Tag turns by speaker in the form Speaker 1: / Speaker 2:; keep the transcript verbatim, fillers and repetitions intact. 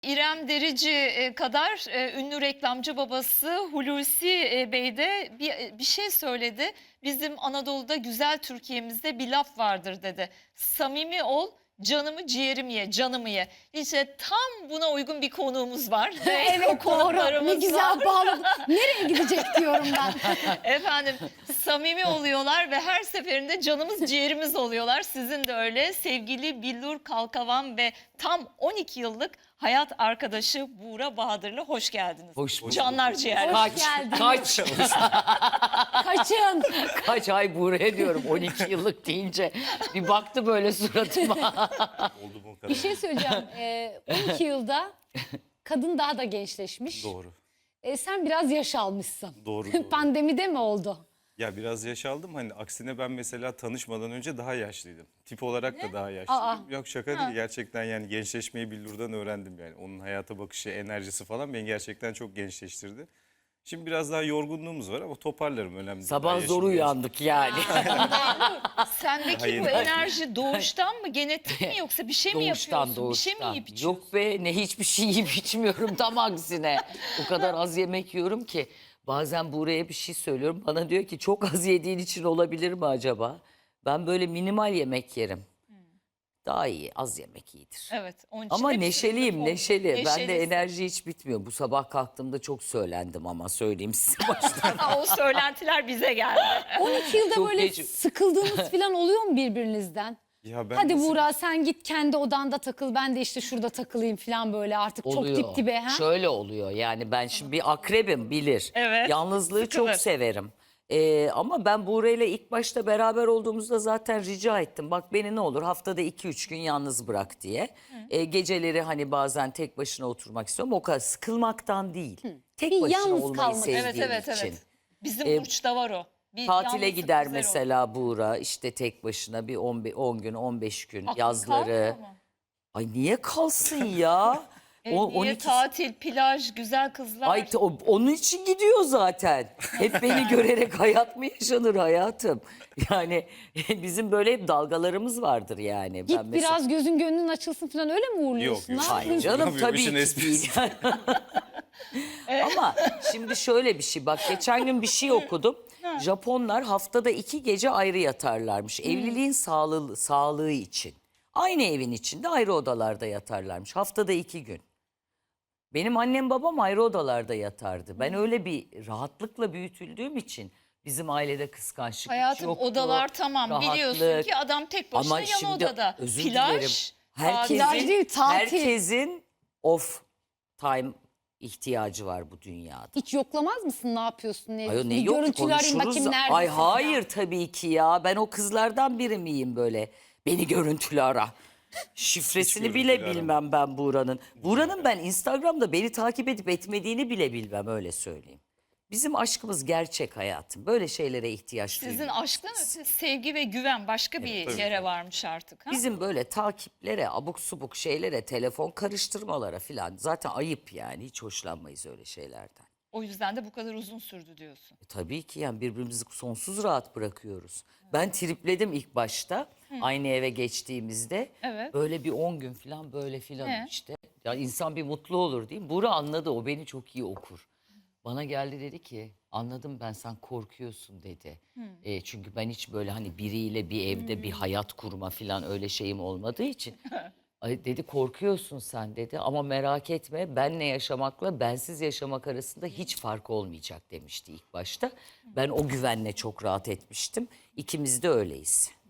Speaker 1: İrem Derici e, kadar e, ünlü reklamcı babası Hulusi e, Bey de bir, e, bir şey söyledi. Bizim Anadolu'da güzel Türkiye'mizde bir laf vardır dedi. Samimi ol, canımı ciğerimi ye, canımı ye. İşte tam buna uygun bir konuğumuz var.
Speaker 2: Evet doğru. Ne
Speaker 1: Konuklarımız var.
Speaker 2: güzel bağladım. Nereye gidecek diyorum ben.
Speaker 1: Efendim samimi oluyorlar ve her seferinde canımız ciğerimiz oluyorlar. Sizin de öyle. Sevgili Billur Kalkavan ve tam on iki yıllık hayat arkadaşı Buğra Bahadır'la hoş geldiniz.
Speaker 3: Hoş bulduk.
Speaker 1: Canlar ciğer.
Speaker 2: Hoş
Speaker 3: Kaç,
Speaker 2: geldiniz.
Speaker 3: kaç,
Speaker 2: Kaçın.
Speaker 3: kaç ay buraya diyorum on iki yıllık deyince bir baktı böyle suratıma.
Speaker 4: Oldu bu kadar.
Speaker 2: Bir şey söyleyeceğim. Ee, on iki yılda kadın daha da gençleşmiş.
Speaker 4: Doğru.
Speaker 2: Ee, sen biraz yaş almışsın.
Speaker 4: Doğru, doğru.
Speaker 2: Pandemide mi oldu?
Speaker 4: Ya biraz yaş aldım. Hani aksine ben mesela tanışmadan önce daha yaşlıydım. Tip olarak da daha yaşlıydım.
Speaker 2: Aa.
Speaker 4: Yok şaka değil. Gerçekten yani gençleşmeyi Billur'dan öğrendim yani. Onun hayata bakışı, enerjisi falan beni gerçekten çok gençleştirdi. Şimdi biraz daha yorgunluğumuz var ama toparlarım, önemli değil. Daha
Speaker 3: Sabah
Speaker 4: yaşım
Speaker 3: zor
Speaker 4: genç.
Speaker 3: uyandık yani.
Speaker 1: Sendeki
Speaker 4: Hayır,
Speaker 1: bu
Speaker 4: hayır.
Speaker 1: enerji doğuştan mı, genetik mi, yoksa bir şey mi
Speaker 3: Doğuştan
Speaker 1: yapıyorsun? Bir şey mi
Speaker 3: doğuştan.
Speaker 1: yiyip içiyorsun?
Speaker 3: Yok be, ne hiçbir şey yiyip içmiyorum, tam aksine. O kadar az yemek yiyorum ki. Bazen buraya bir şey söylüyorum. Bana diyor ki çok az yediğin için olabilir mi acaba? Ben böyle minimal yemek yerim. Daha iyi, az yemek iyidir.
Speaker 1: Evet. Onun için
Speaker 3: Ama
Speaker 1: hepsi
Speaker 3: neşeliyim,
Speaker 1: sınıf
Speaker 3: neşeli.
Speaker 1: oldu.
Speaker 3: Ben de
Speaker 1: Neşelisin.
Speaker 3: enerji hiç bitmiyor. Bu sabah kalktığımda çok söylendim ama söyleyeyim size baştan.
Speaker 1: Ha, o söylentiler bize geldi.
Speaker 2: on iki yılda
Speaker 3: Çok
Speaker 2: böyle
Speaker 3: geç-
Speaker 2: sıkıldığınız falan oluyor mu birbirinizden?
Speaker 4: Ya ben
Speaker 2: Hadi
Speaker 4: mesela-
Speaker 2: Buğra sen git kendi odanda takıl, ben de işte şurada takılayım falan böyle artık
Speaker 3: Oluyor.
Speaker 2: çok dip dibe. Ha?
Speaker 3: Şöyle oluyor yani, ben şimdi bir akrebim, bilir.
Speaker 1: Evet,
Speaker 3: Yalnızlığı
Speaker 1: sıkılır.
Speaker 3: çok severim. Ee, ama ben Buğra'yla ilk başta beraber olduğumuzda zaten rica ettim. Bak beni ne olur haftada iki üç gün yalnız bırak diye. Ee, geceleri hani bazen tek başına oturmak istiyorum. O kadar sıkılmaktan değil. Tek
Speaker 2: Bir
Speaker 3: başına
Speaker 2: yalnız
Speaker 3: olmayı
Speaker 2: kalmak.
Speaker 3: sevdiğim
Speaker 1: Evet evet
Speaker 3: için.
Speaker 1: evet. Bizim
Speaker 3: Ee,
Speaker 1: Burç'ta var o. Bir
Speaker 3: Tatile
Speaker 1: yalnızlık
Speaker 3: gider
Speaker 1: güzel
Speaker 3: mesela Buğra, işte tek başına bir on gün on beş gün
Speaker 1: Aklın
Speaker 3: yazları.
Speaker 1: kalmıyor mu?
Speaker 3: Ay niye kalsın ya?
Speaker 1: E,
Speaker 3: O-
Speaker 1: niye
Speaker 3: on iki
Speaker 1: tatil, plaj, güzel kızlar?
Speaker 3: Ay te- o- onun için gidiyor zaten. Hep beni görerek hayat mı yaşanır hayatım? Yani bizim böyle hep dalgalarımız vardır yani.
Speaker 2: Git
Speaker 3: Ben mesela-
Speaker 2: biraz gözün gönlün açılsın falan öyle mi uğurluyorsun?
Speaker 4: Yok, yok.
Speaker 2: Ne
Speaker 3: Hayır
Speaker 2: yapıyorsun?
Speaker 3: canım
Speaker 4: Yapıyorum,
Speaker 3: tabii
Speaker 4: işin
Speaker 3: ki
Speaker 4: esprisi.
Speaker 3: değil. Ama şimdi şöyle bir şey, bak geçen gün bir şey okudum. Japonlar haftada iki gece ayrı yatarlarmış. Evliliğin sağlığı, sağlığı için. Aynı evin içinde ayrı odalarda yatarlarmış. Haftada iki gün. Benim annem babam ayrı odalarda yatardı. Ben öyle bir rahatlıkla büyütüldüğüm için bizim ailede kıskançlık hiç
Speaker 1: Hayatım
Speaker 3: yoktu.
Speaker 1: odalar tamam, biliyorsun
Speaker 3: rahatlık.
Speaker 1: ki adam tek başına
Speaker 3: Ama
Speaker 1: yan
Speaker 3: şimdi
Speaker 1: odada.
Speaker 3: özür
Speaker 1: Plaj,
Speaker 3: dilerim.
Speaker 1: tatil.
Speaker 2: Plaj değil, tatil.
Speaker 3: herkesin off time ihtiyacı var bu dünyada.
Speaker 2: Hiç yoklamaz mısın ne yapıyorsun? Ne,
Speaker 3: Ay o ne
Speaker 2: bir
Speaker 3: yok,
Speaker 2: görüntülü arayayım
Speaker 3: konuşuruz.
Speaker 2: bakayım
Speaker 3: da-
Speaker 2: neredesin?
Speaker 3: Ay
Speaker 2: ya?
Speaker 3: hayır tabii ki ya. Ben o kızlardan biri miyim böyle? Beni görüntülü ara. Şifresini
Speaker 4: Hiç
Speaker 3: bile
Speaker 4: görüntülü
Speaker 3: bilmem ben Buğra'nın. Buğra'nın ben Instagram'da beni takip edip etmediğini bile bilmem, öyle söyleyeyim. Bizim aşkımız gerçek hayatım. Böyle şeylere ihtiyaç
Speaker 1: Sizin
Speaker 3: duyuyoruz.
Speaker 1: aşktan öte sevgi ve güven başka bir
Speaker 4: tabii.
Speaker 1: yere varmış artık. Ha?
Speaker 3: Bizim böyle takiplere, abuk subuk şeylere, telefon karıştırmalara falan zaten ayıp yani. Hiç hoşlanmayız öyle şeylerden.
Speaker 1: O yüzden de bu kadar uzun sürdü diyorsun.
Speaker 3: E, tabii ki yani birbirimizi sonsuz rahat bırakıyoruz. Ben tripledim ilk başta aynı eve geçtiğimizde.
Speaker 1: Evet.
Speaker 3: Böyle bir on gün falan böyle filan
Speaker 1: He.
Speaker 3: işte. Ya insan bir mutlu olur değil mi? Buğra anladı, o beni çok iyi okur. Bana geldi dedi ki anladım ben, sen korkuyorsun dedi. E, çünkü ben hiç böyle hani biriyle bir evde bir hayat kurma falan öyle şeyim olmadığı için. Ay dedi korkuyorsun sen dedi, ama merak etme, benle yaşamakla bensiz yaşamak arasında hiç fark olmayacak demişti ilk başta. Ben o güvenle çok rahat etmiştim. İkimiz de öyleyiz.